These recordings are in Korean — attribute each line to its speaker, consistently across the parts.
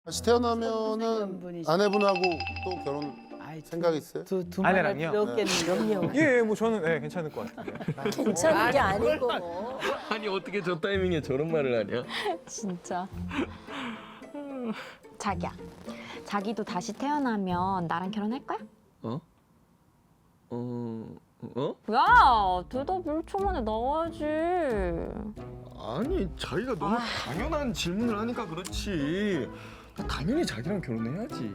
Speaker 1: 다시 태어나면은 아내분하고 또 결혼 생각 있어요?
Speaker 2: 두
Speaker 3: 아내랑요?
Speaker 2: 배웠겠는데요.
Speaker 3: 예, 뭐 저는 괜찮을 것 같은데.
Speaker 2: 괜찮은 게 아니고.
Speaker 4: 아니 어떻게 저 타이밍에 저런 말을 하냐?
Speaker 5: 진짜. 자기야, 자기도 다시 태어나면 나랑 결혼할 거야?
Speaker 4: 어?
Speaker 5: 야, 대답 1초 만에 나와야지.
Speaker 4: 아니 자기가 너무 당연한 질문을 하니까 그렇지. 나 당연히 자기랑 결혼해야지.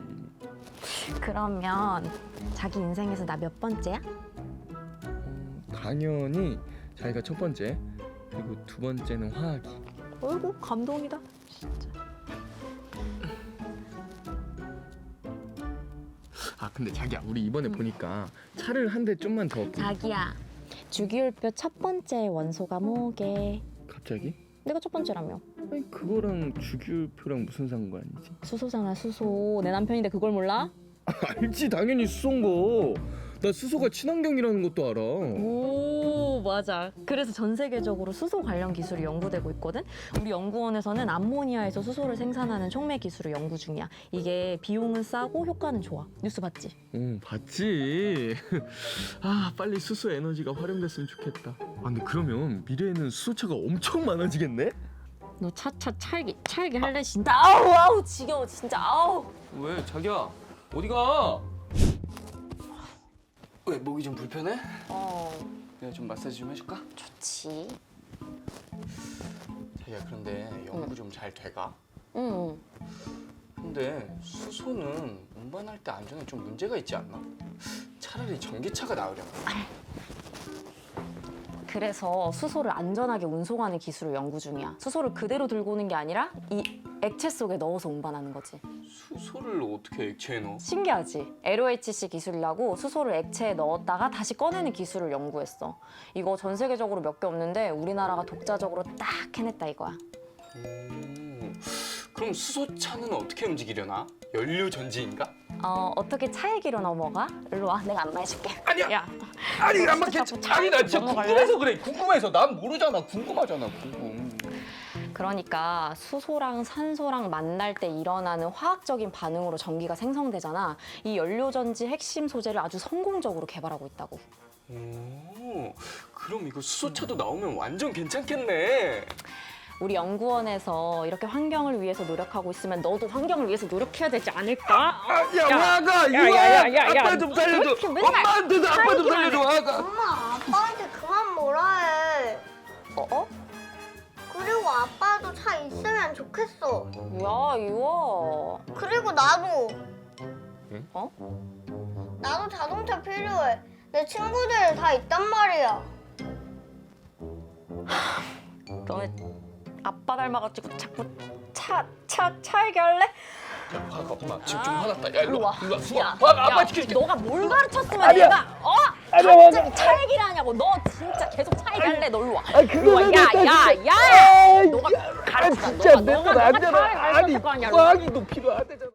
Speaker 5: 그러면 자기 인생에서 나 몇 번째야?
Speaker 4: 당연히 자기가 첫 번째, 그리고 두 번째는 화학이.
Speaker 5: 어이구, 감동이다. 진짜.
Speaker 4: 아 근데 자기야, 우리 이번에 보니까 차를 한 대 좀만 더.
Speaker 5: 자기야, 주기율표 첫 번째 원소가 뭐게?
Speaker 4: 갑자기?
Speaker 5: 내가 첫 번째라며.
Speaker 4: 아니 그거랑 주기율표랑 무슨 상관이지?
Speaker 5: 수소잖아, 수소. 내 남편인데 그걸 몰라?
Speaker 4: 알지, 당연히 수소인 거. 나 수소가 친환경이라는 것도 알아.
Speaker 5: 오, 맞아. 그래서 전 세계적으로 수소 관련 기술이 연구되고 있거든. 우리 연구원에서는 암모니아에서 수소를 생산하는 촉매 기술을 연구 중이야. 이게 비용은 싸고 효과는 좋아. 뉴스 봤지?
Speaker 4: 응, 봤지. 아, 빨리 수소 에너지가 활용됐으면 좋겠다. 아, 근데 그러면 미래에는 수소차가 엄청 많아지겠네?
Speaker 5: 너 차차 찰기 할래 진짜? 아우 지겨워 진짜. 아우.
Speaker 6: 왜 자기야 어디가? 왜 목이 좀 불편해? 내가 좀 마사지 좀 해줄까?
Speaker 5: 좋지.
Speaker 6: 자기야 그런데 연구 좀 잘 돼가?
Speaker 5: 응.
Speaker 6: 근데 수소는 운반할 때 안전에 좀 문제가 있지 않나? 차라리 전기차가 나으려나?
Speaker 5: 그래서 수소를 안전하게 운송하는 기술을 연구 중이야. 수소를 그대로 들고 오는 게 아니라 이 액체 속에 넣어서 운반하는 거지.
Speaker 6: 수소를 어떻게 액체에 넣어?
Speaker 5: 신기하지? LOHC 기술이라고 수소를 액체에 넣었다가 다시 꺼내는 기술을 연구했어. 이거 전 세계적으로 몇 개 없는데 우리나라가 독자적으로 딱 해냈다 이거야.
Speaker 6: 그럼 수소차는 어떻게 움직이려나? 연료 전지인가?
Speaker 5: 어떻게 차 얘기로 넘어가? 일로 와, 내가 안마해줄게.
Speaker 6: 아니야.
Speaker 5: 야,
Speaker 6: 아니 안 맞겠지. 아니 나 진짜
Speaker 5: 넘어갈래?
Speaker 6: 궁금해서 그래. 궁금해서. 난 모르잖아. 궁금하잖아. 궁금.
Speaker 5: 그러니까 수소랑 산소랑 만날 때 일어나는 화학적인 반응으로 전기가 생성되잖아. 이 연료전지 핵심 소재를 아주 성공적으로 개발하고 있다고.
Speaker 6: 오, 그럼 이거 수소차도 나오면 완전 괜찮겠네.
Speaker 5: 우리 연구원에서 이렇게 환경을 위해서 노력하고 있으면 너도 환경을 위해서 노력해야 되지 않을까?
Speaker 6: 야, 화가 이거 아빠 좀 살려줘.
Speaker 5: 그렇게 맨날
Speaker 6: 엄마한테도 아빠 좀 살려줘. 화가.
Speaker 7: 엄마, 아빠한테 그만 뭐라 해. 그리고 아빠도 차 있으면 좋겠어.
Speaker 5: 야, 이거.
Speaker 7: 그리고 나도.
Speaker 4: 응?
Speaker 7: 나도 자동차 필요해. 내 친구들 다 있단 말이야.
Speaker 5: 너네 아빠 닮아가지고 자꾸 차 얘기할래?
Speaker 6: 야, 화가 엄마 지금 좀 화났다. 야, 일로 와. 일로 와. 수아.
Speaker 5: 야,
Speaker 6: 화가 아빠
Speaker 5: 야,
Speaker 6: 지켜줄게.
Speaker 5: 너가 뭘 가르쳤으면 얘가 갑자기 차 얘기를 하냐고. 너 진짜 계속 차 얘기할래. 너 일로 와. 일로 와. 야. 너가 가르쳐.
Speaker 4: 진짜
Speaker 5: 너가 차를 가르칠 거 아니야. 일로 와.
Speaker 4: 화학이도 필요하다.